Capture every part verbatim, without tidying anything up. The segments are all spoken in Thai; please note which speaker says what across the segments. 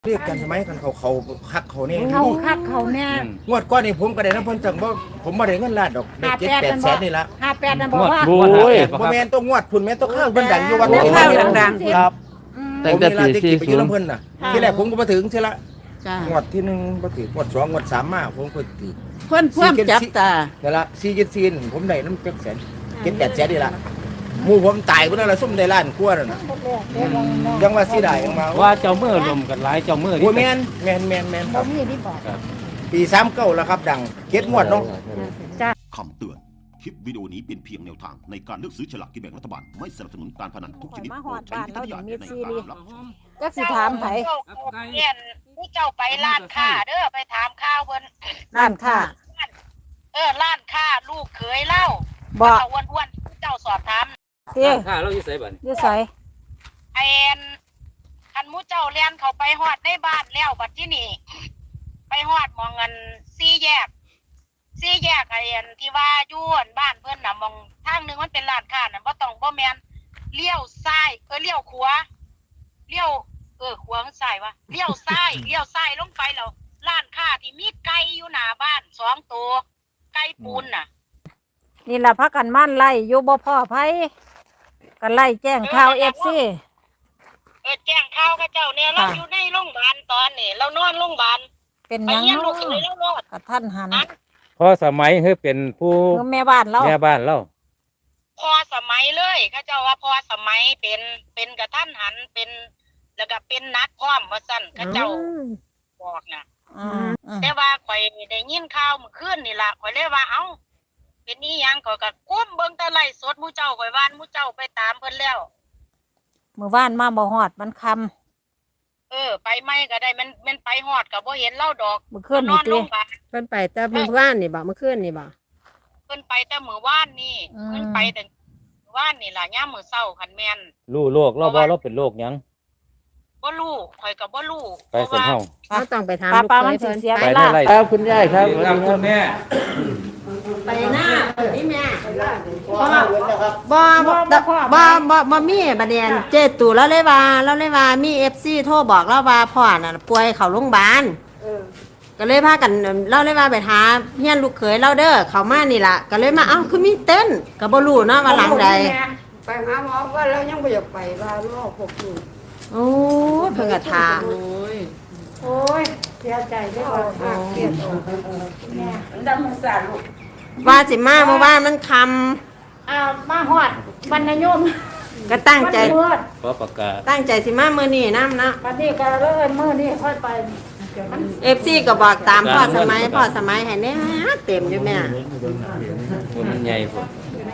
Speaker 1: เรียกกันใช่ไหมกันเขาเขาคักเขาเนี่ย
Speaker 2: เขาคักเขาแน่
Speaker 1: งวดก้อนนี่ผมก็ได้น้ำเพิ่นจังบ่ผมบ่ได้เงินล้านดอกได้เจ็ดแปดแสนนี่ละ
Speaker 2: ห้าแปดนั่นบอกว่า
Speaker 3: โอ้ย
Speaker 1: บ่แม่นต้องงวดพุ่นแม่นต้องข้าวเพิ่นดังอยู่วัน
Speaker 2: โอ้
Speaker 1: นี้
Speaker 2: ข้าว
Speaker 1: ดังๆครับ
Speaker 3: ตั้งแต่ปี
Speaker 1: ผมมีร้านที่
Speaker 3: สี่
Speaker 1: ไปอ
Speaker 3: ศู
Speaker 1: ยู่
Speaker 3: นย์
Speaker 1: น้ำเพิ่นน่ะที่แรกผมก็มาถึงใช่ละ
Speaker 4: จ้าง
Speaker 1: วดที่หนึ่งบ่ถึงงวดสองงวดสามมาผมก็ติด
Speaker 4: เพื่อนเพื่อนจับตา
Speaker 1: นั่นละสี่เจ็ดสี่ผมได้น้ำเจ็ดแสนเจ็ดแปดแสนนี่ละหมู่ผมตายพุ่นนั่นละซุ่มได้ล้านกว่านั่นน่ะยังว่าสิได้ยังมา
Speaker 3: ว่าเจ้ามือลมกันหลายเจ้ามือ
Speaker 1: โอ้แม่นแม่นแม่นแม่นครับ
Speaker 2: นี่ที่บอก
Speaker 1: ปีสามเก้าแล้วครับดังเจ็ดงวดเนาะ
Speaker 5: คำเตือน คลิปวิดีโอนี้เป็นเพียงแนวทางในการเลือกซื้อฉลากกินแบ่งรัฐบาล ไม่สนับสนุนการพนันทุกชนิด
Speaker 2: มาห
Speaker 5: โปร
Speaker 2: อ
Speaker 5: ด
Speaker 2: ด
Speaker 5: ใช้
Speaker 2: บ้าน
Speaker 5: วิจาร
Speaker 2: เรา
Speaker 5: ณ
Speaker 2: ถึ
Speaker 5: ญาง ณ
Speaker 2: มี
Speaker 5: ใน
Speaker 2: ซี
Speaker 5: การ
Speaker 2: รี
Speaker 5: รับชม
Speaker 2: ก็สิถามไผ
Speaker 6: เรียนผู้เจ้าไปร้านค้าเด้อไปถามข้าวเพิ่น
Speaker 2: ร้านค้า
Speaker 6: เออร้านค้าลูกเขยเล่า
Speaker 2: บ่
Speaker 6: เจ้าอ้วนๆผู้เจ้าสอบถาม
Speaker 2: เตี้ย
Speaker 3: ข้าเราอยู่ไสบัด
Speaker 2: อยู่ไส
Speaker 6: ไอ้แอนคันหมูเจ้าเรียนเขาไปฮอดในบ้านแล้วบัดที่นี่ไปฮอดหมองเงินสี่แยกสี่แยกไอ้แอนที่ว่าอยู่อั่นบ้านเพิ่นน่ะหมองทางหนึงมันเป็นร้านค้าน่ะบ่ต้องบ่แม่นเลี้ยวซ้ายเออเลี้ยวขวาเลี้ยวเออขวาซ้ายวะเลี้ยวซ้ายเลี้ยวซ้ายลงไปแล้วร้านค้าที่มีไก่อยู่หน้าบ้านสองตัวไก่ปูนน่ะ
Speaker 2: นี่ล่ะพักกันมั่นไล่อยู่บ่พ่อไผกันไล่แจ้งข่าว เอฟ ซี
Speaker 6: เออแจ้งข่าวกับเจ้าเนี่ยเราอยู่ในโรงพยาบาลตอนนี้เรานอนโรงพยาบาล
Speaker 2: เป็น
Speaker 6: ไป
Speaker 2: หยัง
Speaker 6: เยี่ยมลู
Speaker 2: เนาะ
Speaker 6: กเขยแล้วรอด
Speaker 2: กระท่านหัน
Speaker 3: พอสมัยเฮ้ยเป็นผู้
Speaker 2: คือแม่บ้านเรา
Speaker 3: แม่บ้านเรา
Speaker 6: พอสมัยเลยเขาเจ้าว่าพอสมัยเป็นเป็นกระท่านหันเป็น แล้วก็เป็นนักพร้อมว่าสั่นเขาเจ้าบอกนะ
Speaker 2: อืมอืม
Speaker 6: แต่ว่าข่อยได้ยินข่าวเมื่อคืนนี่ล่ะข่อยเลยว่าเอ้าเป็นนี่ยังข่อยก็ก้มเบิ่งแต่ไล่สดหมู่เจ้าข่อยว่านหมู่เจ้าไปตามเพิ่นแล้ว
Speaker 2: มื้อวานมาบ่ฮอดมันค่ำ
Speaker 6: เออ ไปไม่ก็ได้มันมันไปฮอดก็บ่เห็นเล่าดอก
Speaker 2: มื้อคืน
Speaker 6: น
Speaker 2: นี่
Speaker 6: อน
Speaker 2: ติ
Speaker 6: โรงพยาบาล
Speaker 4: เพิ่นไปแต่เมื่อวานนี่บ่เมื่อคืนนี่บ่
Speaker 6: เพิ่นไปแต่มื้อวานนี่
Speaker 2: อืม
Speaker 6: เพิ่นไปแต่มื้อวานนี่ล่ะยามมื้อเช้าคันแม่น
Speaker 3: รู้โรคเราบ่เราเป็นโรคหยัง
Speaker 6: บ่รู้ข่อยก็บ่รู้
Speaker 3: ไปสันเฮา
Speaker 4: เขาต้องไปถาม
Speaker 2: ป้า
Speaker 4: ลูก
Speaker 2: ป้า
Speaker 4: เค
Speaker 2: มัน
Speaker 4: ย
Speaker 2: สิ
Speaker 4: เพิ่น
Speaker 2: เสีย
Speaker 3: ไป
Speaker 2: เว
Speaker 3: ได้
Speaker 2: ลา
Speaker 3: ไร
Speaker 1: ครับคุณยายครับ
Speaker 3: ครับคุณแม่
Speaker 4: ไปหน้านี่แม่
Speaker 1: พ่อเงินนะครับ
Speaker 4: บ่บ่บ่บ่บ่มีบัดเนียนเจตู่แล้วเลยว่าแล้วเลยว่ามี เอฟ ซี โทรบอกเราว่าพ่อน่ะป่วยเข้าโรงพยาบาลก็เลยพากันเราเลยว่าไปหาเฮียนลูกเขยเราเด้อเขามานี่ล่ะก็เลยมาเอ้าคือมีเต้นก็บ่รู้เนาะว่าหลังใด
Speaker 7: ไปหาหมอว่าเรายังไม่อยากไปว่าโรคพวกนี้
Speaker 4: โอ้ยเพิ่นก็ถาม
Speaker 7: โอ้ยเสียใจได้ว่าหักเกลียดออกแม่ดำมันสารลูก
Speaker 4: ว่าสิมาเมื่อวานมันคำ
Speaker 2: อ่ามาฮอดบรรณยม
Speaker 4: ก็ตั้งใจ
Speaker 2: มันมืด
Speaker 3: ขอประกาศ
Speaker 4: ตั้งใจสิมามื้อนี้นำนะ
Speaker 2: วันนี้ก็เลิกมื้อนี้ค่อยไปมัน
Speaker 4: เอฟซีก็บอกตามพ่อสมัยพ่อสมัยให้แน่เต็มอยู่แม่
Speaker 3: ว่ามันใหญ่พุ่น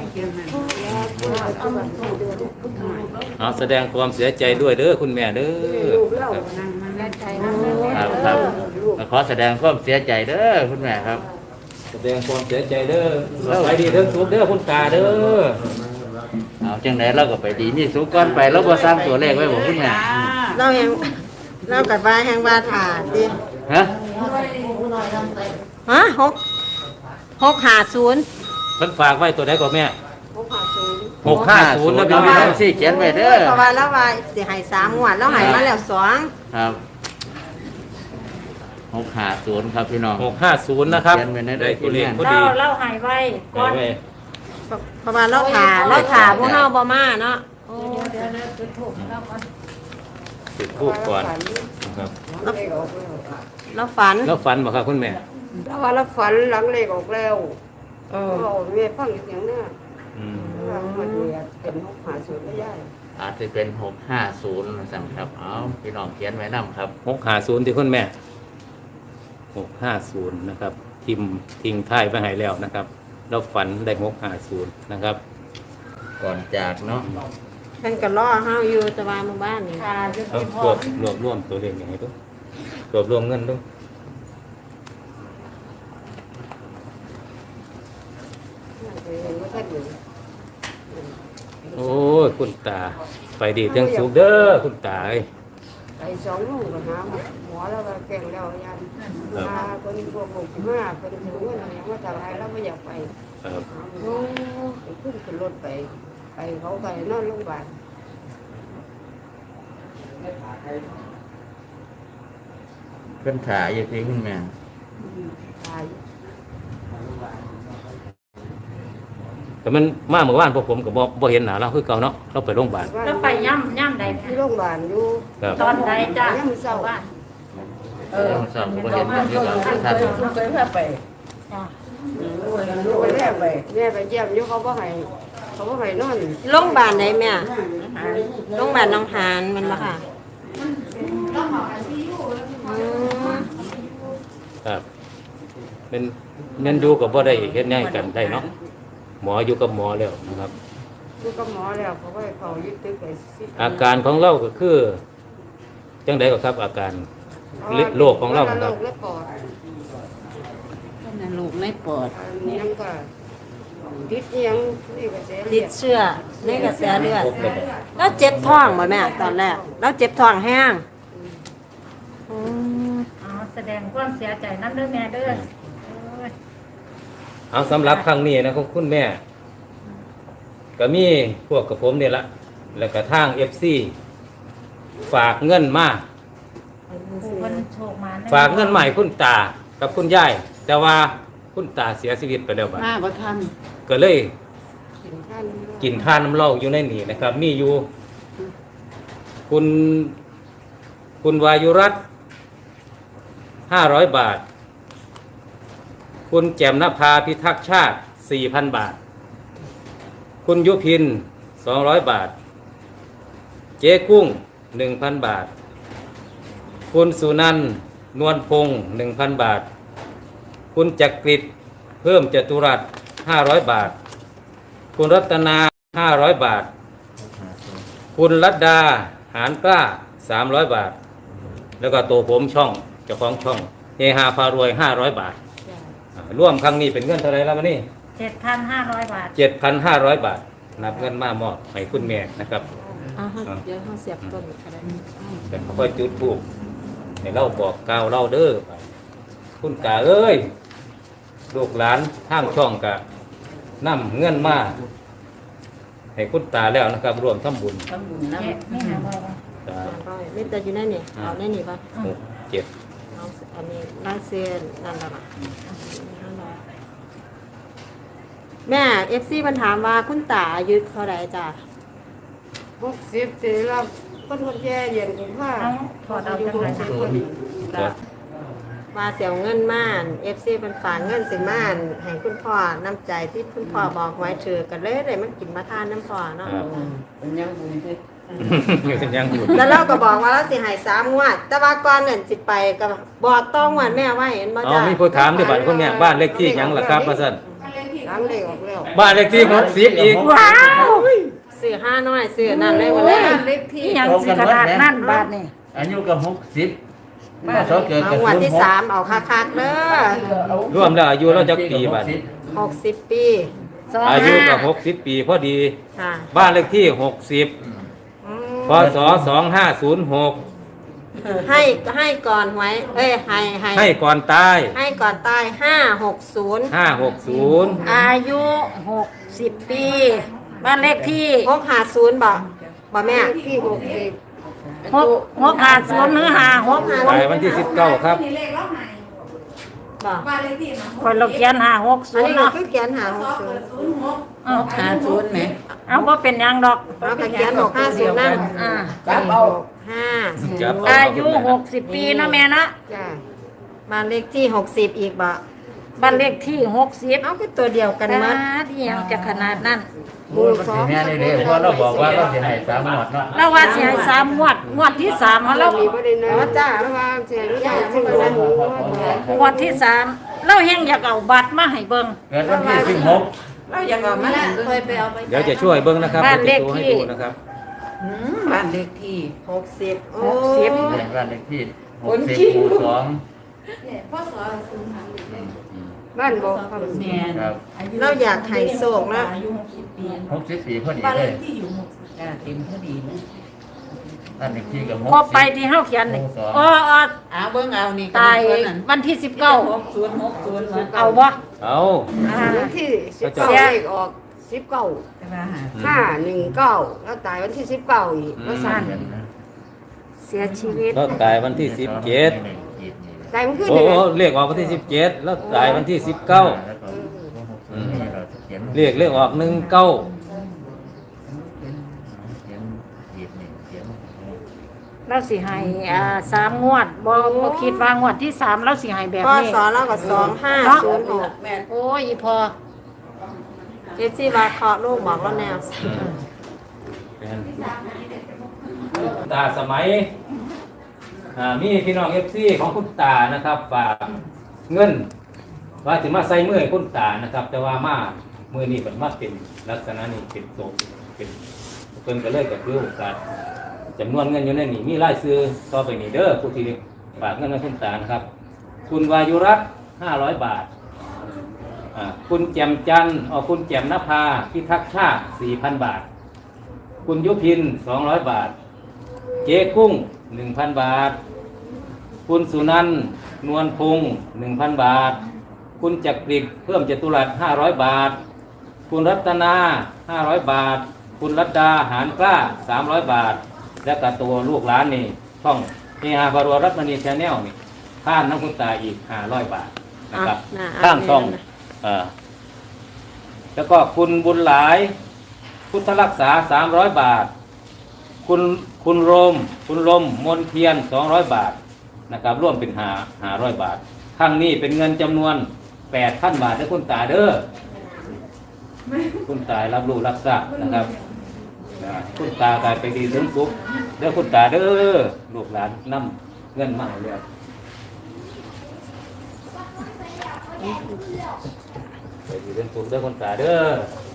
Speaker 3: เอาแสดงความเสียใจด้วยเด้อคุณแม่เด้อครับครับขอแสดงความเสียใจเด้อคุณแม่ครับ แสดงความเสียใจเด้อไปดีเด้อสุขเด้อคุณตาเด้อเอาจังไหนเราก็ไปดีนี่สุขก่อนไปเราบ่สร้างตัวเลขไว้บ่คุณแม่
Speaker 4: เราแหงเรากับว่าแหงว่าถ่าสิ
Speaker 3: ฮะ
Speaker 4: ฮะหกหกห้าศูนย์
Speaker 3: เพิ่นฝากไว้ตัวใดก่อนแม่
Speaker 7: พวกหาศูนย์
Speaker 3: หกห้าศูนย์นะพี่น้องสิเขียนไว้เด้อ
Speaker 4: เพราะว่าเราว่าสิให้สามงวดเราให้มาแล้วสอง
Speaker 8: ครับหกห้าศูนย์ครับพี่น้อง
Speaker 3: หกห้าศูนย์นะครับ
Speaker 8: เขียนไว้ใน
Speaker 3: ได้ตัวเลขพอ
Speaker 2: เรา
Speaker 3: ดี
Speaker 2: เราหายไว้ก่อน
Speaker 3: ไว้
Speaker 4: เพราะว่าเราถ่าเราถ่าพวกเฮาบ่มาเนาะ
Speaker 2: โอ้เดี๋ยวนะจุดถูกแล้วก่อน
Speaker 3: จุดทูบก่อนครับ
Speaker 4: เราฝัน
Speaker 3: แล้วฝันบ่ครับคุณแม่
Speaker 7: แล้วว่าเราฝันหลังเลขออกแล้วเออแม่ฟังเสียงเนี่ย
Speaker 3: อืม
Speaker 7: ว่ามันเนี่ยเป็นหกหาศูนย์ไม่ได้
Speaker 8: อาจจะเป็นหกห้าศูนย์สั่งครับเอาพี่น้องเขียนไว้นำครับ
Speaker 3: หกห้าศูนย์ที่คุณแม่หกห้าศูนย์นะครับทิมทิ้งท้ายไปให้แล้วนะครับแล้วฝันได้หกห้าศูนย์นะครับ
Speaker 8: ก่อนจากเนาะ
Speaker 4: เพิ่นก็รอเฮาอยู่แต่ว่าหมู่บ้านนี่
Speaker 2: ค่ะจุด
Speaker 3: เอา
Speaker 2: ที่พ
Speaker 3: ร
Speaker 2: อ
Speaker 3: วบรวบรวมตัวเลขอย่างไรตัวรวบรวมเงินตัว
Speaker 7: เห็นว่าท่านอยู่
Speaker 3: โอ้ยคุณตา ไปดีเทั้งสุขเด้อคุณตาเอ้ย
Speaker 7: ไปสองลูกก็หาหมอแล้วก็แก่งแล้วยันมาคนพวกหกสิบห้าคนถึงเงินอะไรว่าจะอะไรแล้วไม่อยากไป
Speaker 3: ครับ
Speaker 7: โอ้ไปขึ้นขึ้นรถไปไปเขาไปนอนโรงพยาบาล
Speaker 3: พิ่นถ่ายอยู่ที่คุณแม่
Speaker 7: ตาย
Speaker 9: แต่มันมาเมื่อวานพวกผมก็บ่บ่เห็นหน้าเราคือเก่าเนาะเราไปโรงพยาบาล
Speaker 2: แล้วไปย่ำย่ำใด
Speaker 7: ที่โรงพยาบาลอยู่
Speaker 9: ครับ
Speaker 2: ตอนใดจ้ะ
Speaker 7: ยังมือเศร้า
Speaker 2: บ้าน
Speaker 8: เออสอบก็เห็นอยู่กับท่าน
Speaker 7: เคยพาไป
Speaker 2: จ้ะ
Speaker 7: ไปแม่ไปแม่ไปเยี่ยมอยู่เขาบ่ให้เขาบ่ให้นอน
Speaker 4: โรงพยาบาลไหนแม่โรงพยาบาลหนองหานแมันบ่ค่ะอืม
Speaker 9: ครับเป็นเน้นอยู่กับบ่ได้เฮ็ดแนวกันได้เนาะหมออยู่กับหมอแล้วนะครับ
Speaker 7: อยู่กับหมอแล้วเขาก็ให้เขายึดตึกไปสิ
Speaker 9: อาการของเราก็คือจังไดก็ครับ อาการโรคของเรา
Speaker 7: โร
Speaker 9: ครับ
Speaker 7: คและปอด
Speaker 10: ลูกไม่ปอด
Speaker 7: อันนี้ยังก็ดิดอิหยังนี่ก็เสีย
Speaker 4: ติดเชื้อในกระแสเลือดแล้วเจ็บท้องบ่แม่ตอนแรกแล้วเจ็บท้องแห้งอืม
Speaker 2: อ๋อแสดงความเสียใจนั่นเด้อแม่เด้อโอ้ย
Speaker 9: เอาสำหรับครั้งนี้นะของคุณแม่ ก็มีพวกกับผมเนี่ยละแล้วก็ทาง เอฟ ซี ฝากเงินมา
Speaker 2: ผู้คนโชคมาแ
Speaker 9: ฝากเงินใหม่คุณตากับคุณยายแต่ว่าคุณตาเสียชีวิตไปแล้วบัด
Speaker 10: มาบ่ทัน
Speaker 9: ก็เลย
Speaker 7: กินท่าน
Speaker 9: กินทานน้ำเหล้าอยู่ในนี่นะครับ มีอยู่ คุณ คุณวายุรัตน์ห้าร้อยบาท คุณแจ่มนภาพิทักษ์ชาติสี่พันบาท คุณยุพินสองร้อยบาท เจ๊กุ้งหนึ่งพันบาท คุณสุนันท์นวลพงศ์หนึ่งพันบาท คุณจักริดเพิ่มจตุรัสห้าร้อยบาท คุณรัตนาห้าร้อยบาท คุณรัตดาหานกล้าสามร้อยบาท แล้วก็ตัวผมช่องเจ้าของช่องเฮฮาพารวยห้าร้อยบาทอ่าร่วมครั้งนี้เป็นเงินเท่าไหรแล้วมานี่
Speaker 2: เจ็ดพันห้าร้อยบาท
Speaker 9: เจ็ดพันห้าร้อยบาท นับเงินมามอบให้คุณแม่นะครับ
Speaker 4: อ่าฮะเดี๋ยวเฮาเสียบต้นก็ได้
Speaker 9: แต่ค่อยจุดทูบให้เราบอกกล่าวเราเด้อคุณกาเอ้ยลูกหลานทางช่องกะนำเงินมาให้คุณตาแล้วนะครับรวมทำบุญ
Speaker 10: ทำบุญน้
Speaker 2: เจ็ดไม่หาบ่อย
Speaker 9: สาม
Speaker 4: ร้อยนี่แต่อยู่ในนี่เอาในนี่ป่ะ
Speaker 9: หกเจ็ด
Speaker 4: เอาอันนี้ลายเส้นนั่นแหละป่ะแม่ เอฟ ซี มันถามว่าคุณตาอายุเท่าไหร่จ้ะ
Speaker 7: หกสิบสี่แล้วก็ทนแย่เย็นคุณพ่อ
Speaker 2: เอาถอดเอาจังไรนะ
Speaker 9: ครับ
Speaker 4: ว่าเสียเงินม่าน เอฟ ซี เป็นฝากเงินสิม่านให้คุณพ่อน้ำใจที่คุณพ่อบอกไว้ถือกันเลยเลยมันกินมาทานน้ำพ่อเนาะ
Speaker 9: ครับ
Speaker 10: ำเป็นยังบุญที่
Speaker 9: เป็นยังบุญ
Speaker 4: แล้วเราก็บอกว่าเราสิใหายสามงวด แต่ว่าก่อนเงินสิไปก็บอกต้องงวดแม่ไว้เห็นบ่
Speaker 9: อ๋อ
Speaker 4: จ้ะ
Speaker 9: มีผู้ถามด้วยบัตรคนเนี้ยบ้านเลขที่หยังล่ะครับมาสั่น
Speaker 7: ล้างเลยออกแล้ว
Speaker 9: บ้านเลขที่หกสิบอีก
Speaker 2: ว้าว
Speaker 4: ซื้อห้าน้อยซื้อนั่นเลยหมดเลย
Speaker 7: เล็กที่
Speaker 2: นี่ยังสิขนาดนั่นบาทนี่
Speaker 3: อายุก็หกสิบมาสอเกิด
Speaker 4: เอา
Speaker 3: กับ
Speaker 4: งวด
Speaker 3: ศูน
Speaker 4: ที่
Speaker 3: ย์หก
Speaker 4: สามเอาคักๆเด้อ
Speaker 9: รวมแล้วอายุเราจักปีบัดนี้
Speaker 4: หกสิบปี
Speaker 2: สอง
Speaker 9: อายุ
Speaker 2: ห้า
Speaker 9: ก็หกสิบปีพอดี
Speaker 4: ค่ะ
Speaker 9: บ้านเลขที่หกสิบ
Speaker 4: อืม
Speaker 9: พศสองห้าศูนย์หก
Speaker 4: ให้ให้ก่อนหวยเอ้ยให้ให้
Speaker 9: ให้ก่อนตาย
Speaker 4: ให้ก่อนตายห้าหกศูนย์
Speaker 9: ห้าหกศูนย์
Speaker 2: อายุหกสิบปี บ้านเลขที่
Speaker 4: หกห้าศูนย์บ่บ่แม่
Speaker 7: ที่หกสิบ
Speaker 2: หกหกห้าศูนย์หรือห้าหก
Speaker 9: ตายวันที่สิบเก้าครับ
Speaker 4: บ่
Speaker 2: คนเราเขียนห้าหกศู
Speaker 4: อัน
Speaker 2: น
Speaker 4: นี้
Speaker 2: ย์
Speaker 4: ก็
Speaker 2: เนาะ
Speaker 4: คือเขียนหาหกศูนย์
Speaker 2: เอา
Speaker 10: หาศูนย์ไหม
Speaker 2: เอาว่าเป็นหยังดอก
Speaker 4: เอาก็เขียนหกห้าศูนย์นั่น
Speaker 2: อ่า
Speaker 7: จับเอา
Speaker 4: ห้าศูน
Speaker 9: จับ
Speaker 4: ย์
Speaker 9: เ
Speaker 2: อายุหกสิบปีเนาะแม่เนาะ
Speaker 7: จ้า
Speaker 4: บ้านเลขที่หกสิบอีกบ่
Speaker 2: บ้านเลขที่หกสิบ
Speaker 4: เอาคือตัวเดียวกันหมัด
Speaker 2: ที่ยังจะขนาดนั้น
Speaker 3: มูลสองแม่เลยเลยเพราะเราบอกว่าเราจะให้สามหมดเนาะ
Speaker 2: แล้วว่าสิให้สามงวดงวดที่สามเขา
Speaker 7: เรา
Speaker 2: แล้ว
Speaker 7: มีประเด็นนะจ้าเพราะว่าเสียงใหญ่ที่เราหมู
Speaker 2: งวดที่สามเราแห้งอยากเอาบัตรมาให้เบิ่ง
Speaker 3: เกิดวันที่สิบหก
Speaker 10: เราอยากเอามาเคยไปเอาไป
Speaker 9: เดี๋ยวจะช่วยเบิ้งนะครับ
Speaker 2: บ้านเลข
Speaker 9: จะให้
Speaker 2: ที่
Speaker 9: ดูนะครับ
Speaker 10: อืมบ้านเลขที่
Speaker 4: หกสิบโอ้
Speaker 2: หกสิบ
Speaker 3: เกิดวันเลขที่หกสิบหมู่สอง
Speaker 7: บ้านบอกครับ
Speaker 10: แม่น
Speaker 3: ครับ
Speaker 4: เราอยากให้โศกแล้ว
Speaker 3: หกสิบปีพอดีเลย
Speaker 10: จ้าเต็มพอดีนะ
Speaker 3: นั่นเลขที่กับหก
Speaker 2: ครบ
Speaker 3: สิบ
Speaker 2: ไปที่เฮาเขียนนี่
Speaker 3: หมู่สอง
Speaker 2: อ๋ออ๋อ
Speaker 10: เอาเบิ่งเอานี่
Speaker 2: ตาย
Speaker 10: คนนั้น
Speaker 2: วันที่สิบเก้า
Speaker 10: หกศูนย์หกศูนย์
Speaker 2: เอาบ่
Speaker 9: เอา
Speaker 2: อ่า
Speaker 7: วันที่สิบเก้าเลขออกสิบเก้า
Speaker 10: แต่ว่าหา
Speaker 7: ห้าหนึ่งเก้าแล้วตายวันที่สิบเก้าอีกแล้วสั่น
Speaker 2: เสียชีวิต
Speaker 9: เราตายวันที่สิบเจ็ด
Speaker 7: ตายมันขึ้น
Speaker 9: โอ้
Speaker 7: เลย
Speaker 9: โอ้เลขออกวันที่สิบเจ็ดแล้วตายวันที่สิบเก้าเลขเลขออกหนึ่งเก้า
Speaker 2: เราสิให้อ่าสามงวดบ่บ่คิดว่างวดที่สามเราสิให้แบบ
Speaker 4: พ่อ
Speaker 2: นี้
Speaker 4: สอนเราก็สองห้าศูนย์หก
Speaker 2: โอ้ยอีพอ
Speaker 4: เอฟซีว่าเคาะลูกบอกแล้วแนว
Speaker 9: ตาสมัยอ่ามีพี่น้องเอฟซีของคุณตานะครับฝากเงินว่าถึงมาใส่มือให้คุณตานะครับ แต่ว่ามามือนี้เป็นมาเป็นลักษณะนี้เป็นโตเป็นเพิ่นก็เลยก็คือโอกาสจำนวนเงินอยู่ในนี้มีรายชื่อต่อไปนี้เด้อผู้ที่ฝากเงินให้คุณตานะครับ คุณวายุรัตน์ห้าร้อยบาทอ่าคุณแจ่มจันทร์อ๋อคุณแจ่มนภาพิทักษ์ชาติสี่พันบาท คุณยุพินสองร้อยบาท เจ๊กุ้งหนึ่งพันบาท คุณสุนันท์นวลพงศ์หนึ่งพันบาท คุณจักริดเพิ่มจตุรัสห้าร้อยบาท คุณรัตนาห้าร้อยบาท คุณรัตดาหานกล้าสามร้อยบาท และกับตัวลูกหลานนี่ช่องนี่ฮาบารวรัตมณีแชนแนลนี่ข้ามน้ำคุณตาอีกห้าร้อยบาทนะครับข้ามช่องเอ่อแล้วก็คุณบุญหลายพุทธรักษาสามร้อยบาท คุณคุณโรมคุณลมมนเทียนสองร้อยบาทนะครับร่วมเป็นหาหาร้อยบาทข้างนี้เป็นเงินจำนวนแปดพันบาทให้คุณตาเด้อคุณตารับรู้รับทราบนะครับคุณตากลายไปดีถึงสุขเด้อคุณตาเด้อลูกหลานนำเงินมาให้แล้วไปดีถึงสุขเด้อคุณตาเด้อ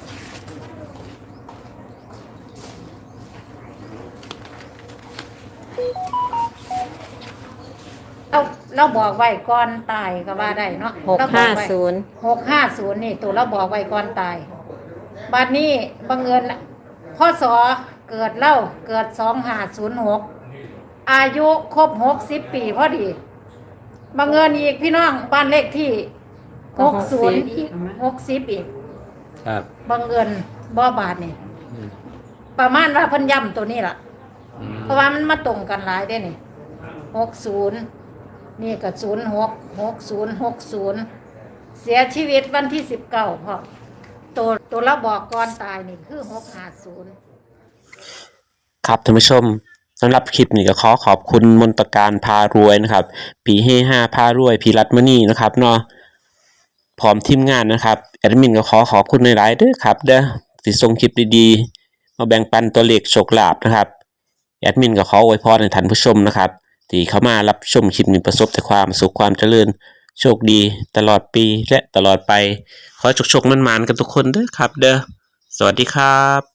Speaker 2: เราเราบอกไว้ก่อนตายก็ว่าได้เนาะ
Speaker 4: หกห้าศูนย์
Speaker 2: หกห้าศูนย์นี่ตัวเราบอกไว้ก่อนตายบัดนี้บังเอิญพ่อสอเกิดเล่าเกิดสองห้าศูนย์หกอายุครบหกสิบปีพอดีบังเอิญอีกพี่น้องบ้านเลขที่หกศูนย์อีกหกสิบอีก
Speaker 9: ครับ
Speaker 2: บังเอิญบ่บาทนี่ประมาณว่าเพิ่นย้ำตัวนี้ล่ะ เพราะว่ามันมาตรงกันหลายได้นี่หกศูนย์นี่ก็ศูนย์หกหกศูนย์หกศูนย์เสียชีวิตวันที่สิบเก้าพอตัวตัวเราบอกก่อนตายนี่คือหกห้าศูนย์
Speaker 11: ครับท่านผู้ชมสำหรับคลิปนี้ก็ขอขอบคุณมนตการพารวยนะครับปีเฮห้าพารวยพีรัตมณีนะครับเนาะพร้อมทีมงานนะครับแอดมินก็ขอขอบคุณในหลายๆด้วยครับเด้อที่ส่งคลิปดีๆมาแบ่งปันตัวเลขโชคลาภนะครับแอดมินก็ขออวยพรให้ท่านผู้ชมนะครับที่เข้ามารับชมคลิปนี้ประสบแต่ความสุขความเจริญโชคดีตลอดปีและตลอดไปขอให้โชคๆมันๆกันทุกคนเด้อครับเด้อสวัสดีครับ